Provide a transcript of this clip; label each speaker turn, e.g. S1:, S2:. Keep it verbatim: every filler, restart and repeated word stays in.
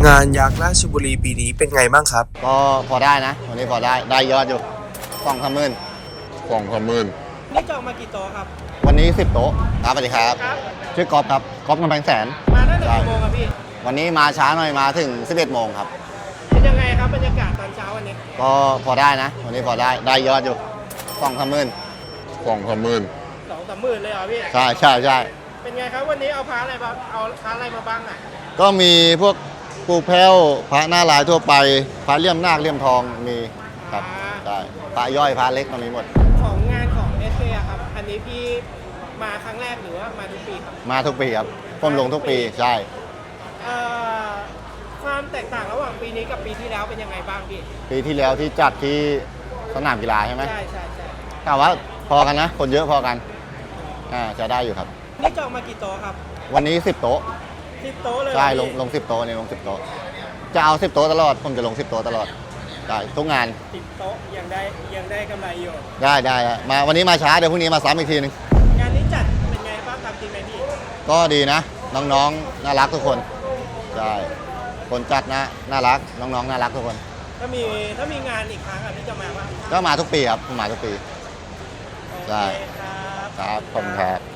S1: งานยักษ์ราชบุรีปีนี้เป็นไงบ้างครับ
S2: ก็พอได้นะวันนี้พอได้ได้ยอดอยู่สองสามหมื่น
S3: สองสามหมื่น
S4: นี่จองมากี่โต๊ะครับ
S2: วันนี้สิบโต๊ะครับสวัสดีครับ
S4: ครับ
S2: ชื่อกอล์ฟครับกอล์ฟกำแพงแสน
S4: มาตั้งแต่กี่โมงครับพี่
S2: วันนี้มาช้าหน่อยมาถึงสิบเอ็ดโมงครับ
S4: เป็นยังไงครับบรรยากาศตอนเช้าวันนี้
S2: ก็พอได้นะวันนี้พอได้ได้ยอดอยู่สองสามหมื่น
S3: สองสามหมื่น
S4: สองสามหมื่นเลยเหรอพี่
S2: ใช่ใช่ใช่
S4: เป็นไงครับวันนี้เอาพระอะไรมาเอาพระอะไรมาบ้างอ่ะ
S2: ก็มีพวกปูแพ้วพระหน้าลายทั่วไปพระเลี่ยมนาคเลี่ยมทองมีครับใช่พระย่อยพระเล็กก็มีหมด
S4: ของงานของเอสเอครับอันนี้พี่มาครั้งแรกหรือว่ามาทุกปีครับ
S2: มาทุกปีครับผมลงทุกปีใช่
S4: ความแตกต่างระหว่างปีนี้กับปีที่แล้วเป็นยังไงบ้างพี่
S2: ปีที่แล้วที่จัดที่สนามกีฬาใช่ไหม
S4: ใช่ใช่ใช่
S2: แต่ว่าพอกันนะคนเยอะพอกันอ่าจะได้อยู่ครับ
S4: นี่จองมากี่โต๊ะครับ
S2: วันนี้สิบโต๊ะ
S4: สิบโต๊ะเลย
S2: ใช่ลงลงสิบโต๊ะนี่ลงสิบโต๊ะจะเอาสิบโต๊ะตลอดผมจะลงสิบโต๊ะตลอดได้ทุกงาน
S4: สิบโต๊ะยังได้ยังได้กำไรอยู่
S2: ได้ได้มาวันนี้มาช้าเดี๋ยวพรุ่งนี้มาซ้ำอีกทีนึง
S4: งานนี้จัดเป็นไงบ้างครับจริงไหมพี่
S2: ก็ดีนะน้องๆน่ารักทุกคนใช่คนจัดนะน่ารักน้องๆน่ารักทุกคน
S4: ถ้ามีถ้ามีงานอีกครั้งอ่ะพี่จะมาบ้าง
S2: ก็มาทุกปีครับมาทุกปี
S4: ใช่ครับ
S2: ครับผมครับ